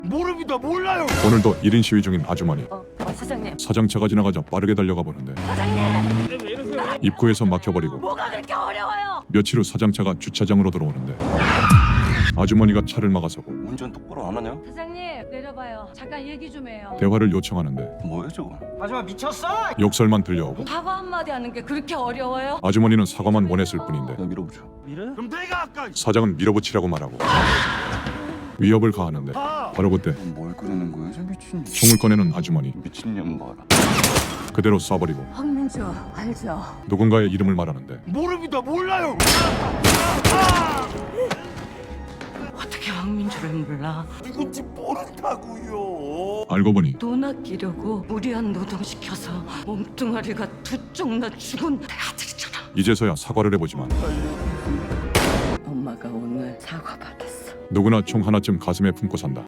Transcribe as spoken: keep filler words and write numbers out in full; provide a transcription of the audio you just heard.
모릅니다. 몰라요. 오늘도 일 인 시위 중인 아주머니. 어, 어 사장님. 사장차가 지나가자 빠르게 달려가 보는데 사장님. 입구에서 막혀버리고 뭐가 그렇게 어려워요? 며칠 후 사장차가 주차장으로 들어오는데 아주머니가 차를 막아서고 운전 똑바로 안 하냐? 사장님 내려봐요. 잠깐 얘기 좀 해요. 대화를 요청하는데 뭐야 저거? 마지막 미쳤어? 욕설만 들려오고 사과 한마디 하는 게 그렇게 어려워요? 아주머니는 사과만 원했을 뿐인데 야 밀어보자. 밀어? 그럼 내가 아까 사장은 밀어붙이라고 말하고 위협을 가하는데 봐. 바로 그때 뭘 끓이는 거야 저 미친 총을 꺼내는 아주머니. 미친년 봐라. 그대로 쏴버리고 황민주 알죠? 누군가의 이름을 말하는데 모릅니다. 몰라요. 어떻게 황민주를 몰라? 누군지 모른다고요. 알고 보니 돈 아끼려고 무리한 노동시켜서 몸뚱아리가 두 쪽나 죽은 내 아들이잖아. 이제서야 사과를 해보지만 엄마가 오늘 사과 받았어. 누구나 총 하나쯤 가슴에 품고 산다.